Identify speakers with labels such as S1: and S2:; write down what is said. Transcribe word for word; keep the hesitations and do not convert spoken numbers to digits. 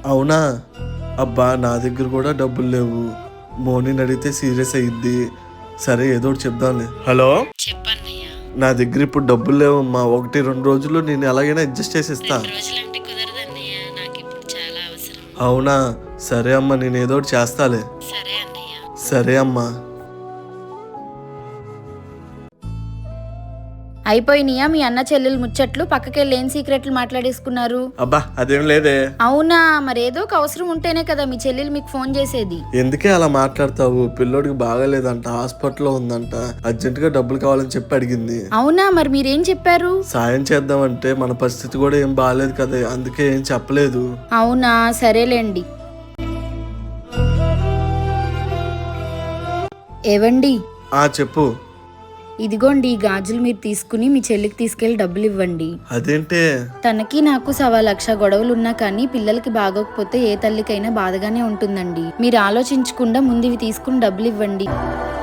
S1: అవునా? అబ్బా నా దగ్గర కూడా డబ్బులు లేవు. మోనీని అడిగితే సీరియస్ అయ్యిద్ది. సరే ఏదో ఒకటి చెప్దాంలే. హలో,
S2: చెప్పన్నయ్య.
S1: నా దగ్గర ఇప్పుడు డబ్బులు లేవమ్మా. ఒకటి రెండు రోజుల్లో నేను ఎలాగైనా అడ్జస్ట్ చేసి ఇస్తా.
S2: రెండు రోజులంటే కుదరదన్నయ్య, నాకు ఇప్పుడు చాలా అవసరం.
S1: అవునా? సరే అమ్మా, నేను ఏదో ఒకటి చేస్తాలే.
S2: సరే అన్నయ్య.
S1: సరే అమ్మా.
S3: అయిపోయినాయా మీ అన్న చెల్లెలు ముచ్చట్లు? పక్కకెళ్ళి ఏం సీక్రెట్లు మాట్లాడేసుకున్నారు?
S1: అబ్బా అదేం లేదే.
S3: అవునా? మరేదో ఒక అవసరం ఉంటేనే కదా మీ చెల్లెలు మీకు ఫోన్ చేసేది.
S1: ఎందుకే అలా మాట్లాడతావు? పిల్లోడికి బాగాలేదంట, హాస్పిటల్లో ఉందంట, అర్జెంట్ గా డబ్బులు కావాలని చెప్పి అడిగింది.
S3: అవునా? మరి మీరేం చెప్పారు?
S1: సాయం చేద్దామంటే మన పరిస్థితి కూడా ఏం బాగాలేదు కదా, అందుకే ఏం చెప్పలేదు.
S3: అవునా? సరేలేండి. ఏవండి,
S1: ఆ చెప్పు.
S3: ఇదిగోండి ఈ గాజులు మీరు తీసుకుని మీ చెల్లికి తీసుకెళ్లి డబ్బులు ఇవ్వండి.
S1: అదేంటే?
S3: తనకి నాకు సవా లక్ష గొడవలున్నా కానీ పిల్లలకి బాగోకపోతే ఏ తల్లికైనా బాధగానే ఉంటుందండి. మీరు ఆలోచించకుండా ముందు ఇవి తీసుకుని డబ్బులు ఇవ్వండి.